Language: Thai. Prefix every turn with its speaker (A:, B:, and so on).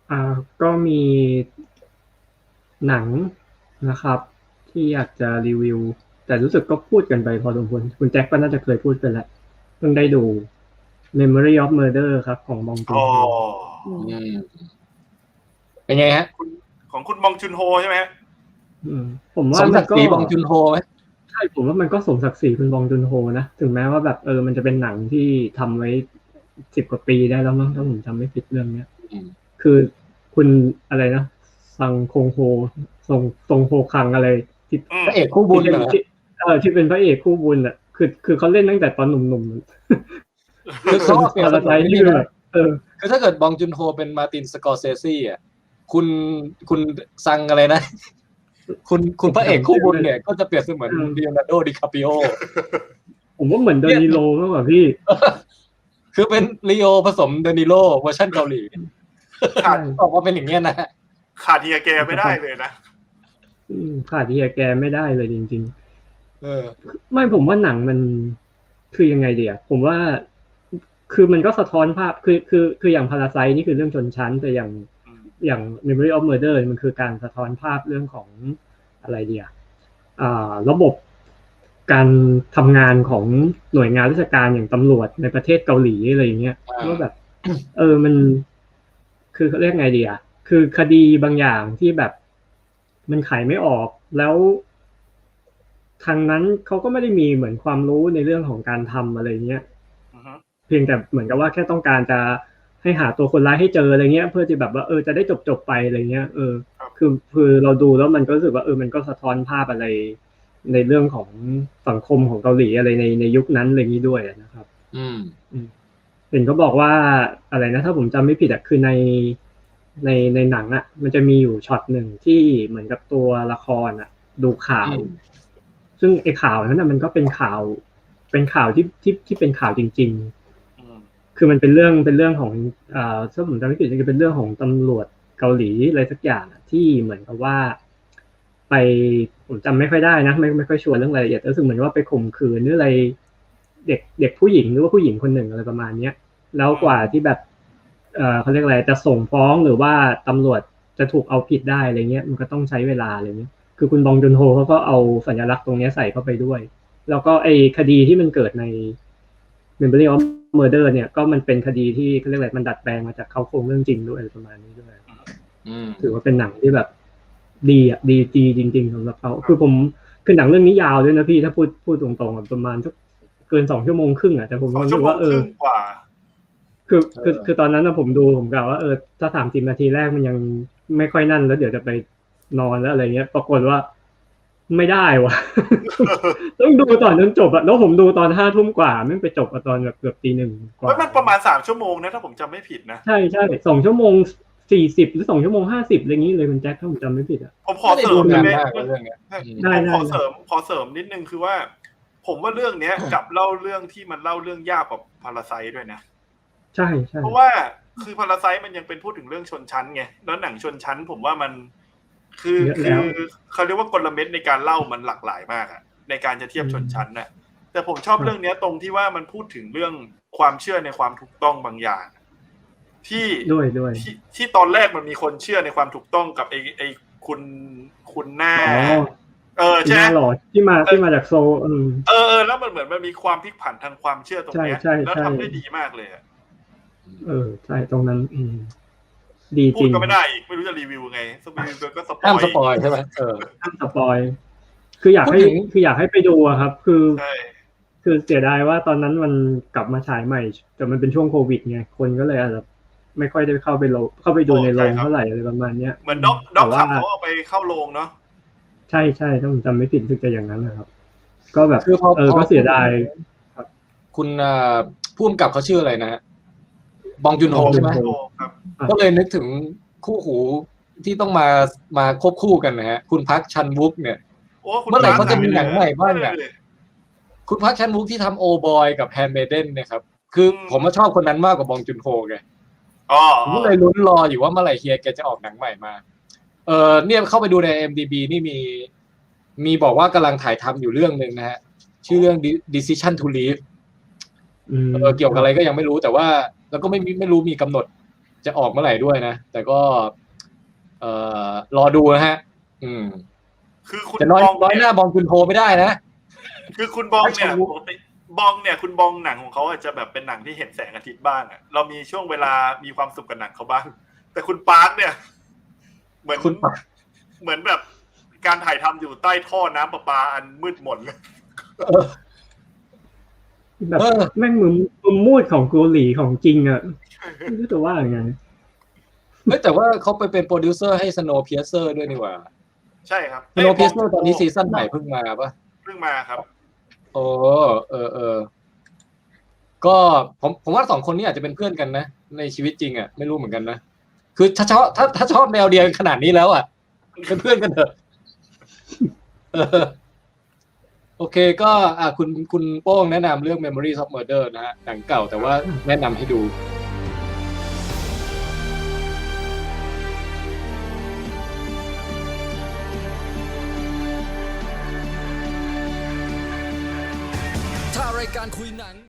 A: ก็มีหนังนะครับที่อยากจะรีวิวแต่รู้สึกก็พูดกันไปพอสมควรคุณแจ็คก็น่าจะเคยพูดไปแล้วเพิ่งได้ดู Memory of Murder ครับของบองจุนโฮ
B: เป็นไงฮะ
C: ของคุณบองจุนโฮใช่ไหม
A: ผมว่า
B: สมศักดิ์ศรีบองจุนโฮไหม
A: ใช่ผมว่ามันก็สมศักดิ์ศรีคุณบองจุนโฮนะถึงแม้ว่าแบบมันจะเป็นหนังที่ทำไว้10 กว่าปีได้แล้วมั้งถ้าผมจำไม่ผิดเรื่องเนี้ยคือคุณอะไรนะซังคงโฮทรงโฮคังอะไร
B: ที่พระเอกคู่บุญเหรอ
A: ที่เป็นพระเอกคู่บุญอ่ะคือเขาเล่นตั้งแต่ตอนหนุ่มๆ
B: คือเขาเปลี่ยนสไตล์
A: นี่แบบ
B: คือถ้าเกิดบองจุนโฮเป็นมาร์ตินสกอร์เซซี่อ่ะคุณซังอะไรนะคุณพระเอกคู่บุญเนี่ยก็จะเปรียบเสมือนลีโอนาร์โดดิคาปิโอ
A: ผมว่าเหมือนเดนิโลมากกว่าพี่
B: คือเป็นลีโอผสมเดนิโลเวอร์ชันเกาหลีออกมาเป็นอย่างเงี้ยนะ
C: ขาดเฮียแกไม่ได้เลยนะ
A: ขาดเฮียแกไม่ได้เลยจริงๆไม่ผมว่าหนังมันคือยังไงเดียผมว่าคือมันก็สะท้อนภาพคืออย่างพาราไซต์นี่คือเรื่องชนชั้นแต่อย่าง Memory of Murder มันคือการสะท้อนภาพเรื่องของอะไรเดียระบบการทำงานของหน่วยงานราชการอย่างตำรวจในประเทศเกาหลีอะไรอย่างเงี้ยว่าแบบมันคือเขาเรียกไงดีอ่ะคือคดีบางอย่างที่แบบมันไขไม่ออกแล้วทางนั้นเขาก็ไม่ได้มีเหมือนความรู้ในเรื่องของการทำอะไรเงี้ยเพียงแต่เหมือนกับว่าแค่ต้องการจะให้หาตัวคนร้ายให้เจออะไรเงี้ยเพื่อที่แบบว่าจะได้จบไปอะไรเงี้ยคือเราดูแล้วมันก็รู้สึกว่ามันก็สะท้อนภาพอะไรในเรื่องของสังคมของเกาหลีอะไรในยุคนั้นอะไรนี้ด้วยนะครับเห็นเขาบอกว่าอะไรนะถ้าผมจำไม่ผิดคือในหนังมันจะมีอยู่ช็อตหนึ่งที่เหมือนกับตัวละครดูข่าวซึ่งไอ้ข่าวนั้นมันก็เป็นข่าวที่เป็นข่าวจริงๆคือมันเป็นเรื่องของถ้าผมจำไม่ผิดจะเป็นเรื่องของตำรวจเกาหลีอะไรสักอย่างที่เหมือนกับว่าไปผมจำไม่ค่อยได้นะไม่ค่อยชัวร์เรื่องรายละเอียดรู้สึกเหมือนว่าไปข่มขืนหรืออะไรเด็กผู้หญิงหรือว่าผู้หญิงคนหนึ่งอะไรประมาณนี้แล้วกว่าที่แบบเขาเรียกอะไรจะส่งฟ้องหรือว่าตำรวจจะถูกเอาผิดได้อะไรเงี้ยมันก็ต้องใช้เวลาอะไรเงี้ยคือคุณบองจุนโฮเขาก็เอาสัญลักษณ์ตรงนี้ใส่เข้าไปด้วยแล้วก็ไอ้คดีที่มันเกิดใน Memory of Murder เนี่ยก็มันเป็นคดีที่เขาเรียกอะไรมันดัดแปลงมาจากเขาโครงเรื่องจริงด้วยประมาณนี้ด้วยถือว่าเป็นหนังที่แบบดีจริงๆสำหรับเขาคือหนังเรื่องนี้ยาวด้วยนะพี่ถ้าพูดตรงๆประมาณสักเกิน2 ชั่วโมงครึ่งแต่ผมรู้สึกว่าคือตอนนั้นผมดูผมกล่าวว่าถ้า30 นาทีแรกมันยังไม่ค่อยนั่นแล้วเดี๋ยวจะไปนอนแล้วอะไรเงี้ยปรากฏว่าไม่ได้ว่ะต้องดูตอนจนจบแล้วผมดูตอน5 ทุ่มกว่าไม่ไปจบตอนแบบเกือบตี 1กว่า
C: มันประมาณ3 ชั่วโมงนะถ้าผมจำไม่ผิดนะ
A: ใช่2 ชั่วโมง40หรือ2 ชั่วโมง50อะไรงี้เลยมันแจ็คถ้าผมจำไม่ผิด
C: ผมขอเสริมได้ไหมขอเสริมนิดนึงคือว่าผมว่าเรื่องนี้กับเล่าเรื่องที่มันเล่าเรื่องยากกว่าพาราไซต์ด้วยนะ
A: ใช่
C: เพราะว่าคือพาราไซต์มันยังเป็นพูดถึงเรื่องชนชั้นไงแล้วหนังชนชั้นผมว่ามันคือเขาเรียกว่ากลเม็ดในการเล่ามันหลากหลายมากในการจะเทียบชนชั้นน่ะแต่ผมชอบเรื่องนี้ตรงที่ว่ามันพูดถึงเรื่องความเชื่อในความถูกต้องบางอย่างที่ตอนแรกมันมีคนเชื่อในความถูกต้องกับไอ้คุณหน้า
A: ใช่หรอที่มาจากโซ
C: แล้วมันเหมือนมันมีความพลิกผันทางความเชื่อตรงนี้แล้วทำได้ดีมากเลย
A: ใช่ตรงนั้นดีจริง
C: พูดก็ไม่ได้อีกไม่รู้จะรีวิวไงสปอยก็ส
B: ปอยใช่ไหม
A: ห้ามสปอยคืออยากให้ไปดูครับคือเสียดายว่าตอนนั้นมันกลับมาฉายใหม่แต่มันเป็นช่วงโควิดไงคนก็เลยอาจจะไม่ค่อยได้เข้าไปดูในโรงเท่าไหร่อะไรประมาณนี้
C: เหมือนด็อกขับเขาเอาไปเข้าโรงเนาะ
A: ใช่ถ้าผมจำไม่ผิดคือจะอย่างนั้นนะครับก็แบบก็เสียดาย
B: คุณผู้กำกับเขาชื่ออะไรนะบองจุนโฮใช่ไหมก็เลยนึกถึงคู่หูที่ต้องมาควบคู่กันนะฮะคุณพักชันวุกเนี่ยเมื่อไหร่เขาจะมีหนังใหม่บ้างคุณพักชันวุกที่ทำโอบอยกับแฮนด์เมเดนเนี่ยครับคือผมชอบคนนั้นมากกว่าบองจุนโฮไงผมก็เลยลุ้นรออยู่ว่าเมื่อไหร่เฮียแกจะออกหนังใหม่มาเนี่ยเข้าไปดูใน IMDb นี่มีบอกว่ากำลังถ่ายทำอยู่เรื่องนึงนะฮะชื่อเรื่อง Decision to Leave เกี่ยวกับอะไรก็ยังไม่รู้แต่ว่าแล้วก็ไม่รู้มีกำหนดจะออกเมื่อไหร่ด้วยนะแต่ก็รอดูนะฮะ
C: คือคุณ
B: จะน้อยหน้าบองจุนโฮไม่ได้นะ
C: คือคุณบองเนี่ยปกติบองเนี่ยคุณบองหนังของเขาอาจจะแบบเป็นหนังที่เห็นแสงอาทิตย์บ้างอ่ะเรามีช่วงเวลามีความสุขกับหนังเขาบ้างแต่คุณปาร์คเนี่ยเหมือนแบบการถ่ายทำอยู่ใต้ท่อน้ำประปาอันมืดมนเลย
A: แบบแม่งมือมูดของเกาหลีของจริงอ่ะไม่รู้จะว่ายังไง
B: แต่ว่าเขาไปเป็นโปรดิวเซอร์ให้ Snowpiercer ด้วยนี่หว่า
C: ใช่ครับ
B: Snowpiercer ตอนนี้ซีซั่นใหม่เพิ่งมาปะ
C: เพิ่งมาครับ
B: โอ้ก็ผมว่า2คนนี้อาจจะเป็นเพื่อนกันนะในชีวิตจริงอ่ะไม่รู้เหมือนกันนะคือถ้าชอบแนวเดียวขนาดนี้แล้วอ่ะเป็นเพื่อนกันเถอะโอเคก็คุณโป้งแนะนำเรื่อง Memories of Murder นะฮะหนังเก่าแต่ว่าแนะนำให้ดู
D: ถ้ารายการคุยหนัง